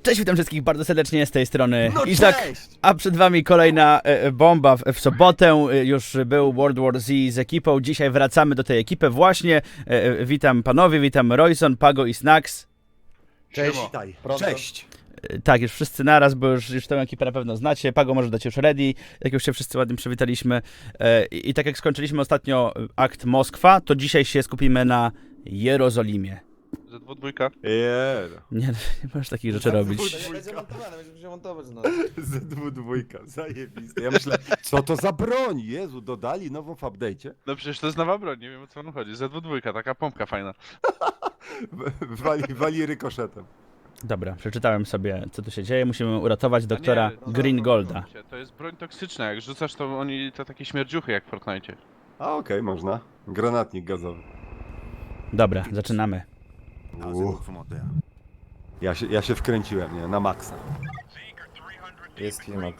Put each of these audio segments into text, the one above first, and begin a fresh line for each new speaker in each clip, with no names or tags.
Cześć, witam wszystkich bardzo serdecznie z tej strony
No
Izak,
cześć!
a przed wami kolejna bomba w sobotę. Już był World War Z z ekipą, dzisiaj wracamy do tej ekipy właśnie. Witam panowie, witam Royson, Pago i Snacks.
Cześć, witaj. Cześć.
Tak, już wszyscy naraz, bo już tę ekipę na pewno znacie. Pago może dać już ready, jak już się wszyscy ładnie przywitaliśmy. I tak jak skończyliśmy ostatnio akt Moskwa, to dzisiaj się skupimy na Jerozolimie.
Z2.
Nie możesz takich rzeczy robić.
Będzie montowane, będziemy się montować. No.
Z2, zajebiste. Ja myślę, co to za broń? Jezu, dodali nową w update'cie.
No przecież to jest nowa broń, nie wiem o co wam chodzi. Z2, taka pompka fajna.
Wali rykoszetem.
Dobra, przeczytałem sobie, co tu się dzieje. Musimy uratować doktora
A nie,
Green Golda.
To jest broń toksyczna, jak rzucasz to oni to takie śmierdziuchy jak w Fortnite.
A okej, można. Granatnik gazowy.
Dobra, zaczynamy.
Ja się wkręciłem, nie? Na maksa.
Jest klimat.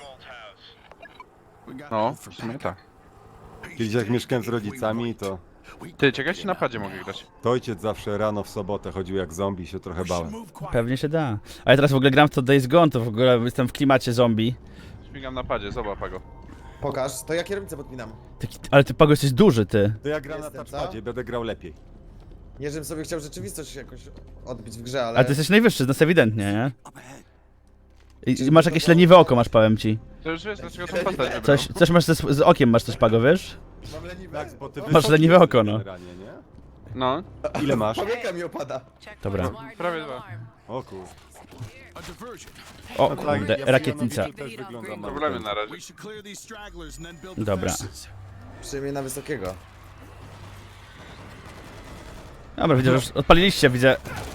No, w sumie tak.
Kiedyś jak mieszkałem z rodzicami, to
Ty, ciekawe czy na padzie mogę grać.
ojciec zawsze rano w sobotę chodził jak zombie, się trochę bałem.
Pewnie się da. Ale teraz w ogóle gram w to Days Gone, to w ogóle jestem w klimacie zombie.
Śmigam na padzie, zobacz go.
Pokaż, to ja kierownicę podpinam.
Ale ty, Pago, jesteś duży, ty.
To ja gram na
Jestem,
touchpadzie, będę grał lepiej.
Nie, żebym sobie chciał rzeczywistość jakoś odbić w grze, ale...
Ale ty jesteś najwyższy z nas ewidentnie, nie? I masz jakieś leniwe oko, masz, powiem ci.
To już wiesz dlaczego tą postać wybrał.
Coś masz z okiem, masz coś, Pago, wiesz?
Mam leniwe.
Tak, bo ty
Masz
wysoki
leniwe
jesteś
oko, no.
generalnie, nie?
No,
Ile masz?
Powieka mi opada.
Dobra.
prawie dwa.
O kur...
O
No tak,
kurde,
ja
rakietnica.
też wyglądam na
Problemy na razie.
Dobra.
Przyjmie na wysokiego.
Dobra, widzę, że już odpaliliście, widzę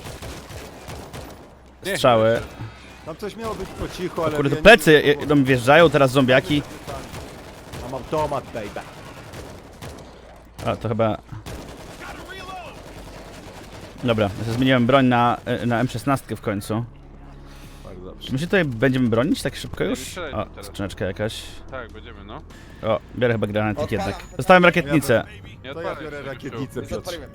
strzały.
Tam coś miało być po cichu, ale...
Kurde,
ja
to
nie
plecy
wiem,
do mnie wjeżdżają, teraz zombiaki.
Mam automat, baby.
A, to chyba... Dobra, ja zmieniłem broń na M16 w końcu.
Bardzo dobrze.
Czy my się tutaj będziemy bronić tak szybko już?
strzelaj
O,
teraz.
skrzyneczka jakaś.
Tak, będziemy no.
O, biorę chyba granatnik
Odpalam.
jednak. Dostałem rakietnicę.
Nie
To ja
odpalaj
biorę
się,
rakietnicę,
Już
Piotr.
odpaliłem.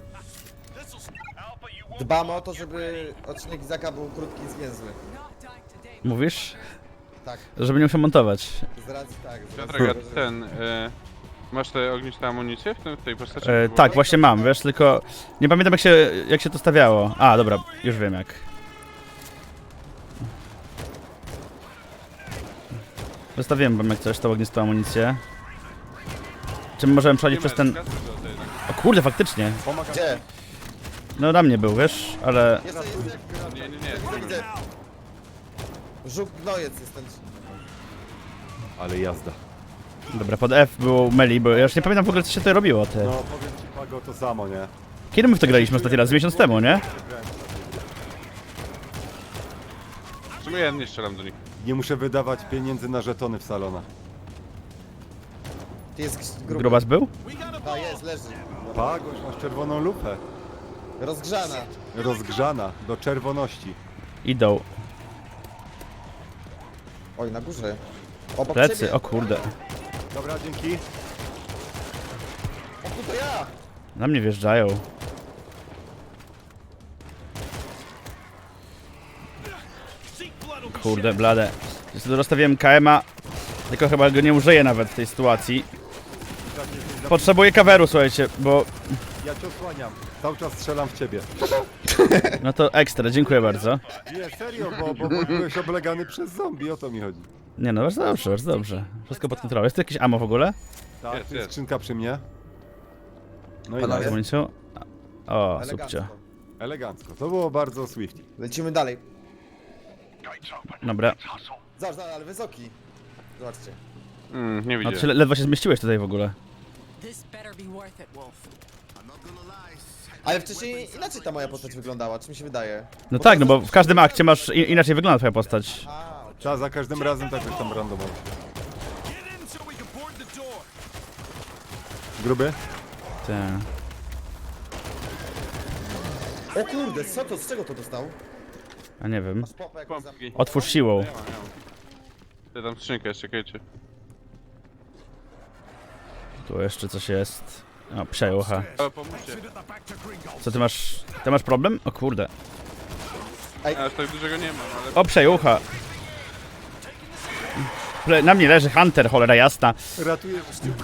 Dbam o to, żeby odcinek Izaka był krótki i zwięzły.
Mówisz?
Tak,
Żeby nie musiał montować.
z racji tak. Z
Piotrek,
racji,
a ten... masz te ogniste amunicje w tej postaci?
Tak, właśnie mam, wiesz, tylko nie pamiętam jak się to stawiało. A, dobra, już wiem jak. Zostawiłem wam jak coś, tą ognistą amunicję. Czy my możemy przechodzić przez ten... O kurde, faktycznie.
Gdzie?
No na mnie był, wiesz, ale...
Jest.
Nie.
Widzę. Żuk gnojec jest ten.
Ale jazda.
Dobra, pod F było melee, bo ja już nie pamiętam w ogóle co się tutaj robiło, ty.
No powiem ci, Pago, to samo, nie?
Kiedy my w to graliśmy ostatni raz? Z miesiąc temu, nie?
W sumie ja nie strzelam do nich.
Nie muszę wydawać pieniędzy na żetony w salonach.
Ty jest gruby.
Grubas był?
A, jest, leży.
Pagoś, masz czerwoną lupę.
Rozgrzana.
Rozgrzana do czerwoności.
Idą.
Oj, na górze. Obok
Plecy,
ciebie.
o kurde.
Dobra, dzięki.
O, to ja.
Na mnie wjeżdżają. Kurde, blade. Rozstawiłem KM-a, tylko chyba go nie użyję nawet w tej sytuacji. Potrzebuję kaweru, słuchajcie, bo...
Ja cię osłaniam. Cały czas strzelam w ciebie.
No to ekstra, dziękuję bardzo.
Nie, serio, bo byłeś oblegany przez zombie, o to mi chodzi.
Nie no, bardzo dobrze, bardzo dobrze. Wszystko pod kontrolą. Jest tu jakieś ammo w ogóle?
Tak,
Jest,
tu jest
jest.
skrzynka przy mnie. No i
Panowie?
Z
nice.
amunicją? O,
Elegancko.
subcio.
Elegancko. To było bardzo swift.
Lecimy dalej.
Dobra.
Zobacz, ale wysoki. Zobaczcie.
Nie
No
widzę.
ty ledwo się zmieściłeś tutaj w ogóle.
This better be worth it, Wolf.
Ale wcześniej inaczej ta moja postać wyglądała, czy mi się wydaje?
No tak, no bo w każdym akcie masz inaczej wygląda twoja postać.
A,
Ta za każdym razem tak już tam randomowo. Gruby?
Te.
o kurde, co to, z czego to dostał?
A nie wiem.
Masz popę jakąś za...
Pompki.
Otwórz siłą.
Ja tam skrzynkę jeszcze, czekajcie.
Tu jeszcze coś jest. O, psia jucha.
Ale pomóżcie.
Co ty masz? Ty masz problem? O kurde.
Aż tak dużego nie mam, ale...
O, przejłucha. Na mnie leży Hunter, cholera jasna.
Ratuję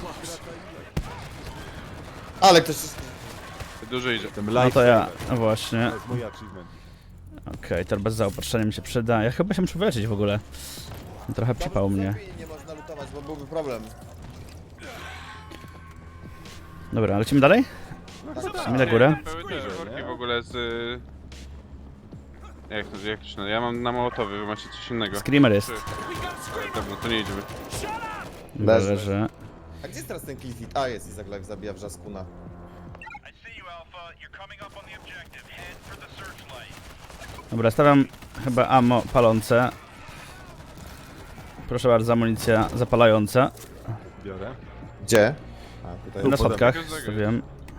Ale ktoś...
Dużo idzie.
ten
No
live.
to ja, no właśnie.
To jest mój achievement.
Okej, to bez zaopatrzenia mi się przyda. Ja chyba się muszę wyleczyć w ogóle. Trochę przypał mnie.
Nie można lutować, bo byłby problem.
Dobra, lecimy dalej? Lecimy na górę.
Były te worki w ogóle z... Jak to się nazywa? Ja mam na Mołotowie, wy macie coś innego.
Screamer jest.
Dobra, to nie idziemy.
Dobra,
Leży.
leży.
A gdzie jest teraz ten Cliffit? A, jest Izak Live, zabija wrzaskuna.
I see you, Alpha. You're coming up on the objective. Head for the searchlight.
Dobra, stawiam chyba ammo palące. Proszę bardzo, amunicja zapalająca.
Biorę.
Gdzie? A, tutaj.
Na schodkach
podam.
stawiam.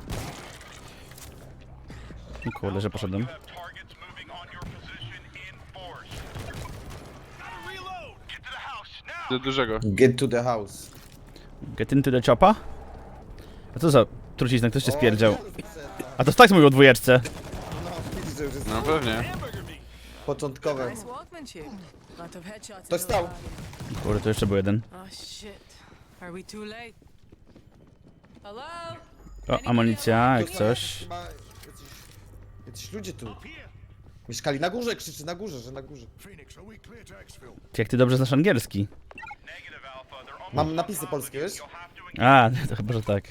O kurde, że poszedłem.
You have targets moving on your position in force. Gotta reload. Get to the house now.
Do dużego.
Get to the house.
Get into the chopa? A co za trucizna, ktoś cię spierdział.
O, Jezus,
A to tak mówił o dwójeczce.
no, widzisz, że już jest
No pewnie.
początkowe.
Nice workmanship. Lot of headshots.
Ktoś
in
stał.
the body.
Kurde, to jeszcze był jeden.
Oh shit. Are we too late? Hello?
O, amunicja, jak
Tu są
coś.
chyba jacyś ludzie tu. Mieszkali na górze, krzyczy na górze, że na górze.
Jak ty dobrze znasz angielski.
Negative, Alpha. They're almost
Mam napisy polskie, wiesz?
You'll have to
A, to chyba, że tak.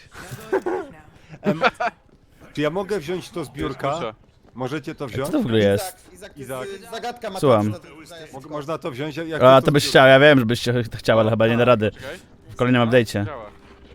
Czy ja mogę wziąć to z biurka?
Kurczę.
Możecie to
Co
wziąć?
to w ogóle jest?
Izak,
Izak.
zagadka ma
Słucham.
Można to wziąć? Jak
A,
to
to byś
z
chciał, ja wiem, żebyś chciał, ale chyba nie da rady.
Czekaj.
W kolejnym update'cie.
Działa.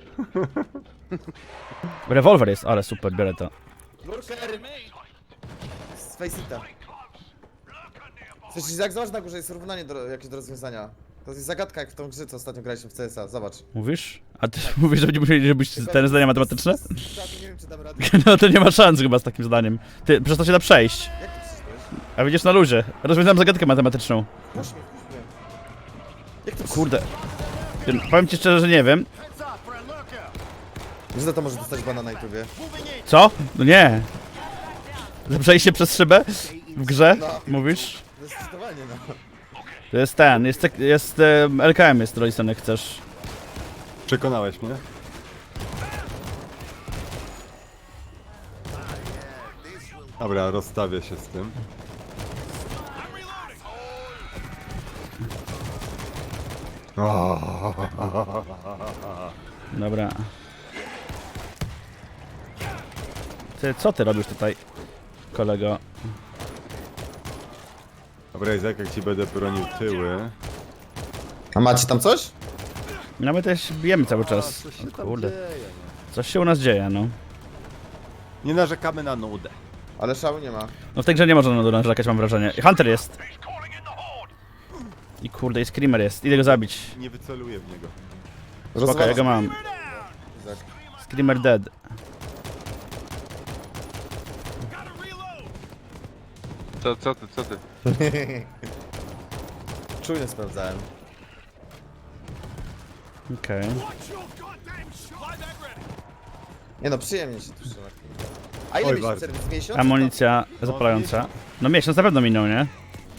Rewolwer jest, ale super, biorę to.
Lurker! Z Faceita. Słyszysz, jak zobacz na górze jest równanie jakieś do rozwiązania. To jest zagadka jak w tą grze, co ostatnio graliśmy w CSa, zobacz.
Mówisz? A ty mówisz, że będziemy musieli robić te zdania matematyczne?
Nie wiem, czy dam radę.
No to nie ma szans chyba z takim zdaniem. Ty, przez to się da przejść.
Jak ty przyszłeś?
A widzisz na luzie. Rozwiązałem zagadkę matematyczną.
Puść mnie. Jak ty
Kurde. Powiem ci szczerze, że nie wiem.
Wiesz, że to może dostać bana na YouTubie.
Co? No nie. Za przejście przez szybę? W grze? Mówisz?
To jest testowanie, no.
To jest ten, jest LKM jest Royston, jak chcesz.
Przekonałeś mnie? Dobra, rozstawię się z tym.
Dobra. Ty, co ty robisz tutaj, kolego?
Dobra, Izak, jak ci będę bronił tyły.
A macie tam coś?
No my też bijemy cały czas.
Co się
O
tam
kurde.
dzieje?
Coś się u nas dzieje, no.
Nie narzekamy na nudę.
Ale szału nie ma.
No w tej grze nie można narzekać, mam wrażenie. Hunter jest.
calling in the horde.
I kurde, i Screamer jest. Idę go zabić.
Nie wyceluję w niego.
Spoko, ja go mam.
Izak.
Screamer dead.
Gotta reload.
Co ty?
Czujnie sprawdzałem.
Okej.
Watch your goddamn shot. Fly back ready.
Nie no, przyjemnie się tu trzyma. A ile
Oj,
mieliście
bardzo.
przerwy? Z miesiąc?
Amunicja zapalająca. No miesiąc na pewno minął, nie?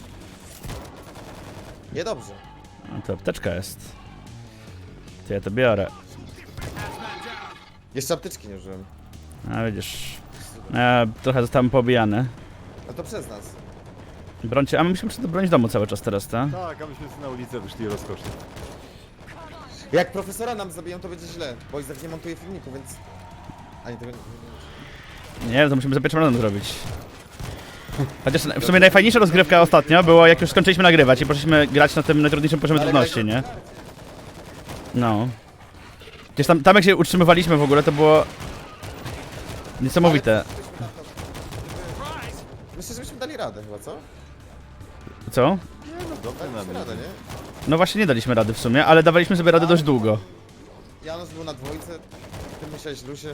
Niedobrze.
No to apteczka jest. To ja to biorę.
Jeszcze apteczki nie użyłem.
A widzisz. Trochę zostałem poobijany.
A to przez nas.
Brońcie, a my musimy bronić domu cały czas teraz, tak?
Tak, a myśmy sobie na ulicę wyszli rozkosznie.
Jak profesora nam zabiją, to będzie źle. Bo Izak nie montuje filmiku, więc... Ani tego nie...
Nie, to musimy za pierwszym razem zrobić. Chociaż w sumie najfajniejsza rozgrywka ostatnio było, jak już skończyliśmy nagrywać i poszliśmy grać na tym najtrudniejszym poziomie trudności, nie? No. Gdzieś tam jak się utrzymywaliśmy w ogóle, to było... niesamowite.
Myślę, że byśmy dali radę chyba, co?
Co?
Dobra, na
Daliśmy radę,
mnie.
nie?
No właśnie nie daliśmy rady w sumie, ale dawaliśmy sobie radę dość długo.
Janusz był na dwójce, ty musiałeś Lusie.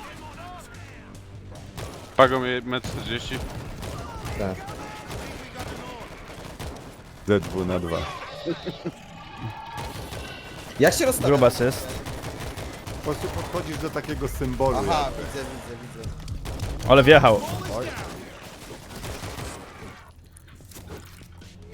Pago mnie 1,40 m.
Tak.
Z2 na 2.
Jak się rozstawia?
Grubas jest.
Po prostu podchodzisz do takiego symbolu.
Aha,
jakby.
widzę.
Ale wjechał.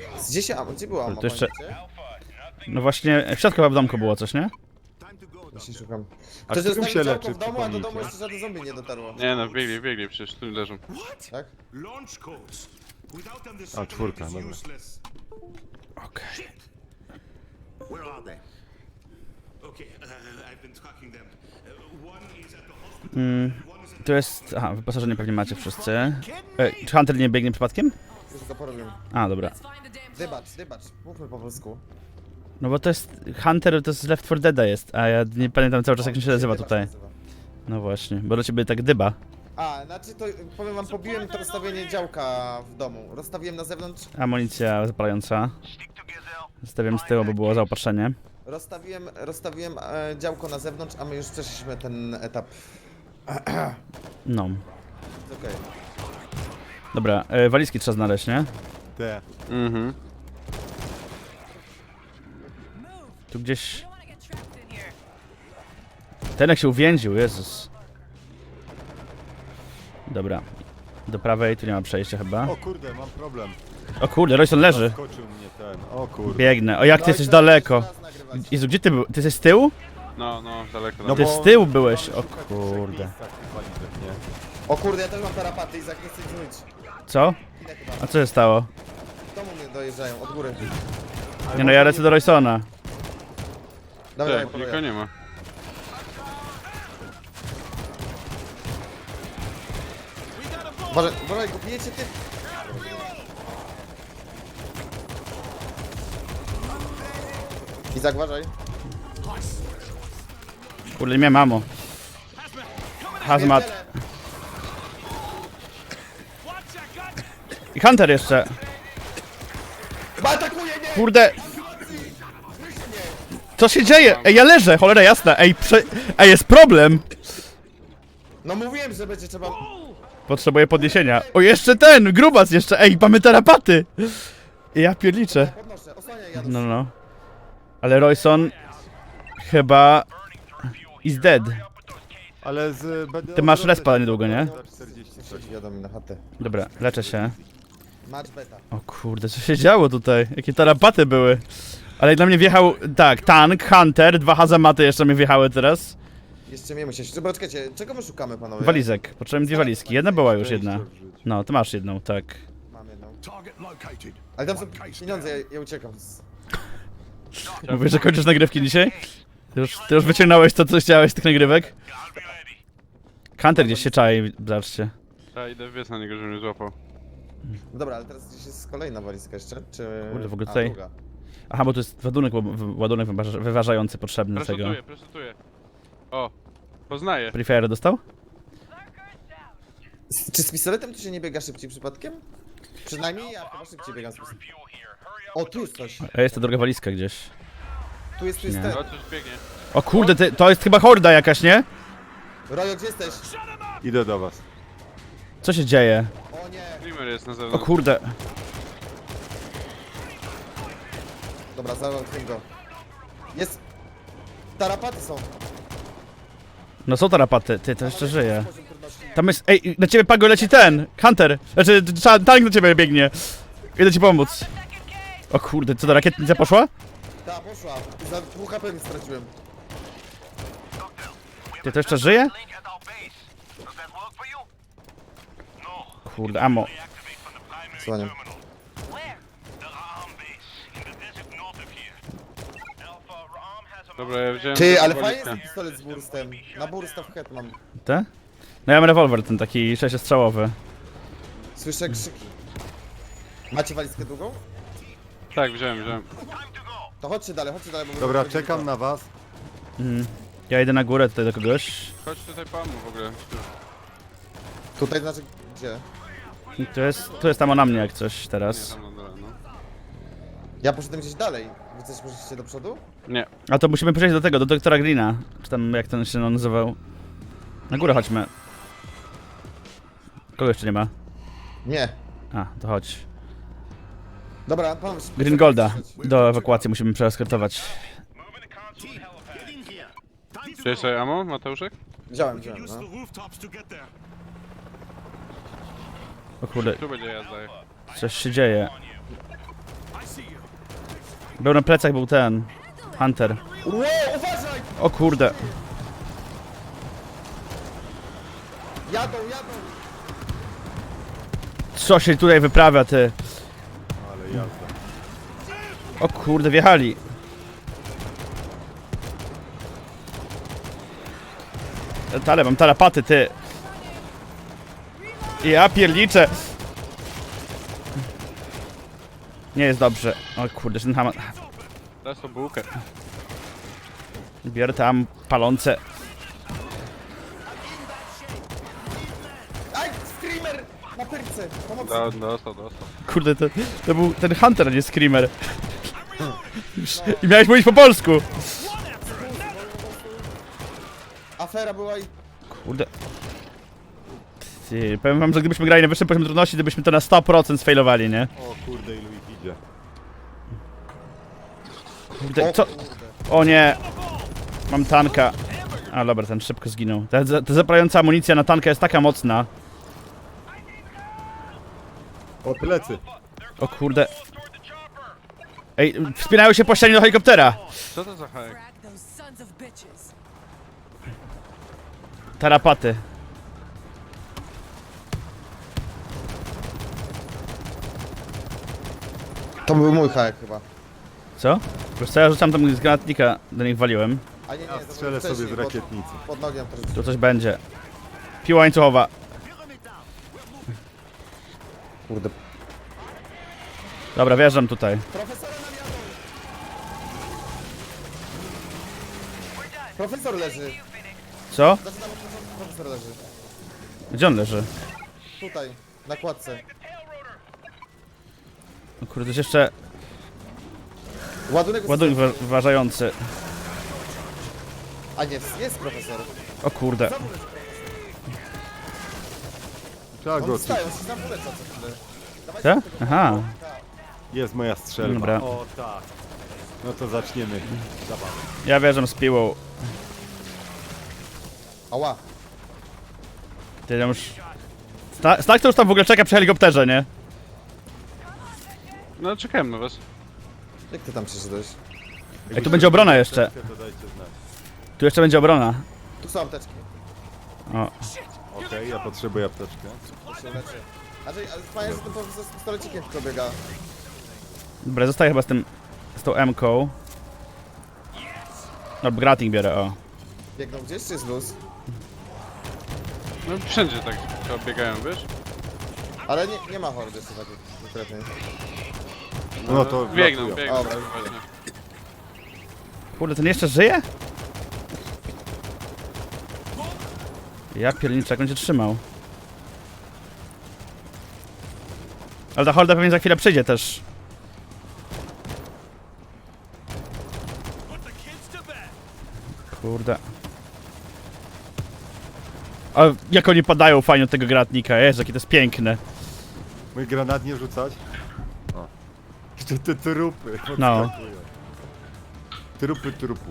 Gdzie była mama?
To jeszcze-
pamiętacie?
No właśnie, w środku chyba w domku było coś, nie?
Właśnie szukam.
A
Ktoś
którym
zostawił
się
działko
leczy,
w domu, a do domu
przypomnijcie?
jeszcze żaden zombie nie dotarło.
Nie no, biegli, przecież tu leżą.
Tak?
Launch codes. Without them, the
A,
satellite
czwórka,
is
dobra.
useless.
Okej.
Where are they? Okay, I've been tracking them. One is at the hospital. One is at
Tu jest... Aha, wyposażenie pewnie macie wszyscy. Czy Hunter nie biegnie przypadkiem?
Już go porobił.
A, dobra.
Let's find the damn
Dybacz. Mówmy po polsku.
No bo to jest... Hunter to z Left 4 Deada jest, a ja nie pamiętam cały czas jak on się nazywa
Dybacz
tutaj.
nazywa.
No właśnie, bo do ciebie tak dyba.
A, znaczy to powiem wam, pobiłem to rozstawienie działka w domu. Rozstawiłem na zewnątrz,
Amunicja zapalająca.
stick together.
Stawiam z tyłu, bo było zaopatrzenie.
rozstawiłem działko na zewnątrz, a my już przeszliśmy ten etap.
No.
Okej.
Dobra, walizki trzeba znaleźć, nie?
Te.
Mhm.
Tu gdzieś...
don't wanna get trapped in here.
Ten jak się uwięził, Jezus. Dobra. Do prawej, tu nie ma przejścia chyba.
O kurde, mam problem.
O kurde, Royson leży.
Skoczył mnie ten. O kurde.
Biegnę. O, jak ty jesteś daleko. Jezu, gdzie ty był? Ty jesteś z tyłu?
No, daleko.
No
Ty
bo-
z tyłu byłeś,
Mamy
o
szukać
kurde.
trzech miejscach tych walizek, nie?
O kurde, ja też mam tarapaty, Izak, nie chcę ich zmyć.
Co?
Chwilę chyba.
A co się stało?
W domu mnie dojeżdżają, od góry.
Nie no, ja lecę do Roysona.
Dobra, ja
Tak, nikogo
poluję.
nie ma.
Uważaj, go bijecie ty. Izak, uważaj.
Kurde, nie miałem mamo. Hazmat.
Pierdzielę.
I Hunter jeszcze.
Chyba atakuje mnie!
Kurde. Co się dzieje? Ej, ja leżę, cholera jasna. Ej, jest problem.
No mówiłem, że będzie trzeba...
Potrzebuję podniesienia. O, jeszcze ten, grubas jeszcze. Ej, mamy tarapaty. Ja pierliczę.
Podnoszę, osłaniaj Janusz.
No. Ale Royson chyba is dead.
Ale z...
Ty masz respa niedługo, nie?
Za 40 coś.
Wiadomo, na chatę.
Dobra, leczę się.
Match beta.
O kurde, co się działo tutaj? Jakie tarapaty były. Ale dla mnie wjechał, tak, tank, Hunter, 2 hazamaty jeszcze mi wjechały teraz.
Jeszcze mnie musisz... Dobra, czekajcie, czego my szukamy, panowie?
Walizek, potrzebujemy 2 walizki. Jedna była już jedna. No, ty masz jedną, tak.
Mam jedną.
Target located.
Ale tam są pieniądze, ja uciekam.
Mówisz, że kończysz nagrywki dzisiaj? Ty już wyciągnąłeś to, co chciałeś z tych nagrywek?
I'll be ready.
Hunter gdzieś się czai, zobaczcie.
Ja idę wiec na niego, żeby mnie złapał.
No dobra, ale teraz gdzieś jest kolejna walizka jeszcze, czy...
Kurde, w ogóle
A,
tutaj-
druga.
Aha, bo to jest ładunek wyważający potrzebny do tego.
Presutuję. O, poznaję.
Prefire dostał?
Czy z pistoletem tu się nie biega szybciej przypadkiem? Przynajmniej ja chyba szybciej biegam z pistoletem.
Fuel here. Hurry up.
O, tu jest coś.
A jest to druga walizka gdzieś.
Tu jest
Nie.
ten.
O, coś biegnie.
O kurde, to jest chyba horda jakaś, nie?
Rojo, gdzie jesteś?
Idę do was.
Co się dzieje?
O nie.
Dreamer jest na
O
zewnątrz.
kurde.
Dobra, załatwię go. Jest... Tarapaty są.
No są tarapaty, ty, to jeszcze żyje.
Poziom trudności.
Tam jest, ej, na ciebie Pago leci ten, Hunter. Znaczy, tank na ciebie biegnie. Idę ci pomóc. O kurde, co to rakietnica poszła?
Ta, poszła. Za 2 HP mi straciłem.
Ty, to jeszcze żyje?
Link at our base. Does that work for you? No.
Kurde, ammo.
Deactivate from the primary
Słaniam.
terminal. Where? The Ra'am base. In the desert north of here. Alpha, Ra'am has a
Dobra, ja wziąłem...
Ty, ale
walizkę.
fajny jest ten pistolet z burstem. Na bursta w head mam.
Te? No ja mam rewolwer ten taki sześciostrzałowy.
Słyszę krzyki. Macie walizkę długą?
Tak, wziąłem.
time to go.
To chodźcie dalej, bo...
Dobra, czekam na was.
Ja idę na górę tutaj do kogoś.
Chodź tutaj pamu w ogóle.
Tutaj znaczy, gdzie?
Tu jest tam na mnie jak coś
Nie,
teraz.
tam na dole, no.
Ja poszedłem gdzieś dalej. Wy coś poszliście do przodu?
Nie.
A to musimy przejść do tego, do doktora Greena. Czy tam jak ten się nazywał. Na górę chodźmy. Kogo jeszcze nie ma?
Nie.
A, to chodź.
Dobra, pan...
Green Golda. Do ewakuacji musimy przeeskortować.
Moving the console helipad.
Get in here. Time to
Czy jeszcze ammo, Mateuszek?
Wziąłem,
use
no.
the rooftops to get there.
O kurde,
Tu będzie jazda.
coś się dzieje. Był na plecach, był ten... Hunter.
Wow, uważaj!
O kurde.
Jadą!
Co się tutaj wyprawia, ty?
Ale jazda.
O kurde, wjechali. Ale mam tarapaty, ty. Ja pierniczę. Nie jest dobrze. O kurde, ten ham...
Dasz tą bułkę.
Biorę tam palące.
Aj, screamer! Na pyrce! Pomocy!
Dostał.
Kurde, to był ten Hunter, a nie Screamer. I miałeś mówić po polsku.
Afera była i...
Kurde. Ty, powiem wam, że gdybyśmy grali na wyższym poziomie trudności, to byśmy to na 100% sfailowali, nie?
O kurde, ilu ich idzie.
Kurde, co? O nie. Mam tanka. A dobra, ten szybko zginął. Ta zapalająca amunicja na tanka jest taka mocna.
O, plecy.
O kurde. Ej, wspinają się po ścianie do helikoptera.
Co to za hajek?
Frag those sons of bitches.
Tarapaty.
To był mój hajek chyba.
Co? Wiesz co, ja rzucam tam z granatnika, do nich waliłem.
A nie,
Ja
to
strzelę
był
sobie z
wcześniej,
rakietnicy.
Pod nogiem to
Tu coś będzie. Piła łańcuchowa.
Kurde.
Dobra, wjeżdżam tutaj.
Profesora nam jadą! Profesor leży.
Co?
Zaczynam od początku, profesor leży.
Gdzie on leży?
Tutaj, na kładce.
O kurde, jest jeszcze
Ładunek...
ładunek ważający.
A nie, jest profesor.
O kurde.
Trzeba
On
go
wstają, się nam uleca co chwilę. Dawajcie
Co?
tego
Aha.
tak.
Jest moja strzelba.
Dobra.
O tak. No to zaczniemy zabawę.
Ja wjeżdżam z piłą.
Ała.
Ty tam już... Snak to już tam w ogóle czeka przy helikopterze, nie?
No czekałem na was.
Jak ty tam przyszedłeś?
Ej, tu będzie obrona jeszcze.
To dajcie znać.
Tu jeszcze będzie obrona.
Tu są apteczki.
O.
Okej, ja potrzebuję apteczkę.
Tu się leczy. Znaczy, ale fajnie, że ten profesor z pistolecikiem tylko biega.
Dobra, zostaję chyba z tym... z tą M-ką. No, grating biorę, o.
Biegną gdzieś, czy jest luz?
No wszędzie tak biegają, wiesz?
Ale nie ma hordy jeszcze takiej konkretnej.
No to
Biegną,
wlatują.
biegną,
Dobra.
tak właśnie.
Kurde, ten jeszcze żyje? Ja pierniczę, jak on cię trzymał. Ale ta horda pewnie za chwilę przyjdzie też. Kurde. A jak oni padają fajnie od tego granatnika, jest, jakie to jest piękne.
Mój granat nie rzucać? O. Jeszcze te trupy
No.
podskakują. Trupy trupów.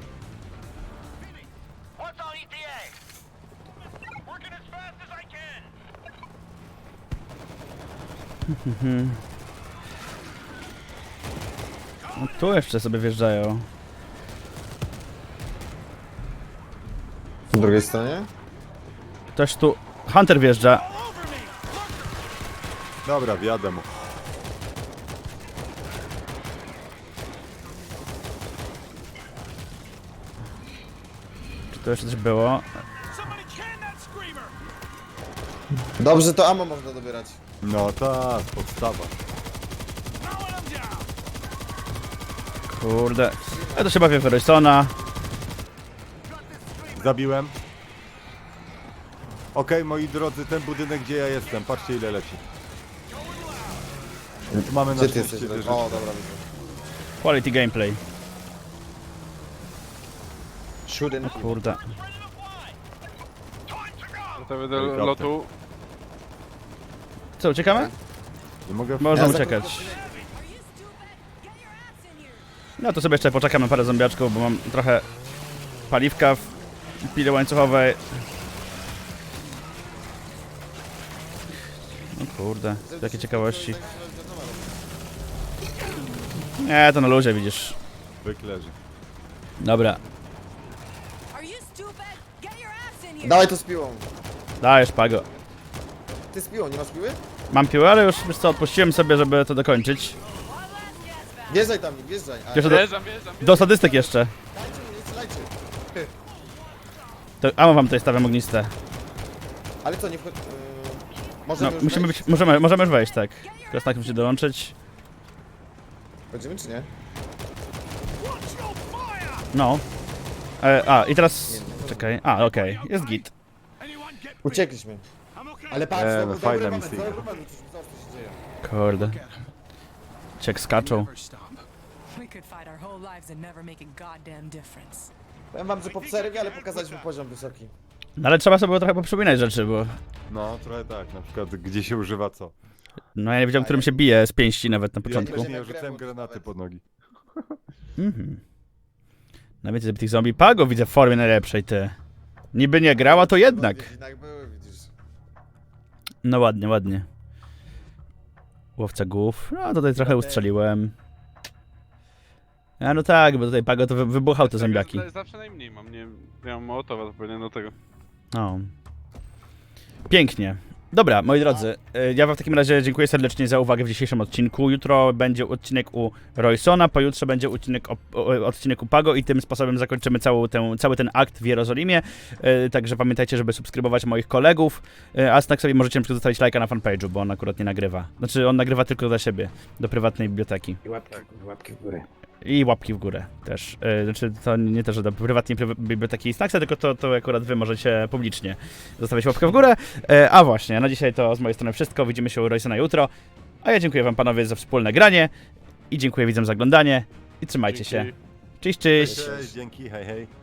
No, tu jeszcze sobie wjeżdżają.
Po drugiej stronie?
Ktoś tu... Hunter wjeżdża.
Dobra, wjadę mu.
Czy tu jeszcze coś było?
Dobrze, to ammo można dobierać.
No tak, podstawa.
Kurde. Ja to się bawię w Rysona.
Zabiłem. Okej, moi drodzy, ten budynek, gdzie ja jestem, patrzcie ile leci. Tu mamy na
Gdzie ty jesteś?
szczęście wieżyczkę.
O, dobra, widzę.
Quality gameplay.
Shooting.
Kurde.
Gotowy do
Helikopter.
lotu.
Co, uciekamy?
Nie mogę...
Można
Ja za-
uciekać.
Are you stupid? Get your ass in here.
No to sobie jeszcze poczekamy parę zombiaczków, bo mam trochę paliwka w pile łańcuchowej. No kurde, jakie ciekawości. Nie, to na luzie widzisz.
Wyklerzy.
Dobra,
Are you stupid? Get your ass in here!
Dawaj to z piłą.
dajesz Pago.
Ty z piłą, nie masz piły?
Mam piłę, ale już wiesz co, odpuściłem sobie, żeby to dokończyć.
Wjeżdżaj tam, nie wjeżdżaj. A,
Jeszcze do,
Wjeżdżam.
do statystyk jeszcze.
dajcie, nie strzelajcie.
To, a wam tutaj stawiam ogniste.
Ale co, nie wchodź...
No,
możemy już
musimy
wejść?
być, możemy już wejść, tak. Teraz tak musi dołączyć.
Chodzimy czy nie?
No. I teraz... Czekaj, okej, jest git.
Anyone get me?
Uciekliśmy.
I'm okay.
Ale patrz,
no,
dobry
fajna
moment,
misja.
dobry moment, zobacz co się dzieje.
Kurde. Ciek skaczą.
Never stop.
We could fight our whole lives and never make a goddamn difference.
Powiem wam, że po przerwie, ale pokazaliśmy poziom wysoki.
No ale trzeba sobie trochę poprzypominać rzeczy, bo...
No, trochę tak, na przykład gdzie się używa co.
No ja nie wiedziałem, którym się bije z pięści nawet na
Ja
początku.
nie rzucałem granaty pod nogi.
Mhm. Na więcej tych zombie. Pago widzę w formie najlepszej, ty. Niby nie grała, to jednak.
Jednak były, widzisz.
No ładnie, ładnie. Łowca głów. No tutaj trochę ustrzeliłem. A no tak, bo tutaj Pago to wybuchał te zombiaki.
Zawsze najmniej mam, nie mam Mołotowa, to pewnie do tego.
No. Pięknie. Dobra, moi drodzy, ja wam w takim razie dziękuję serdecznie za uwagę w dzisiejszym odcinku. Jutro będzie odcinek u Roysona, pojutrze będzie odcinek u Pago i tym sposobem zakończymy cały ten akt w Jerozolimie. Także pamiętajcie, żeby subskrybować moich kolegów, a Snack sobie możecie na przykład zostawić lajka na fanpage'u, bo on akurat nie nagrywa. Znaczy, on nagrywa tylko dla siebie, do prywatnej biblioteki.
Łapki w górę.
I łapki w górę też. Znaczy, to nie to, że do prywatnej biblioteki Snacksa, tylko to akurat wy możecie publicznie zostawiać łapkę w górę. A właśnie, na dzisiaj to z mojej strony wszystko. Widzimy się u Roysona jutro. A ja dziękuję wam panowie za wspólne granie i dziękuję widzom za oglądanie i trzymajcie się.
Dzięki.
Cześć, cześć!
Cześć, dzięki, hej, hej.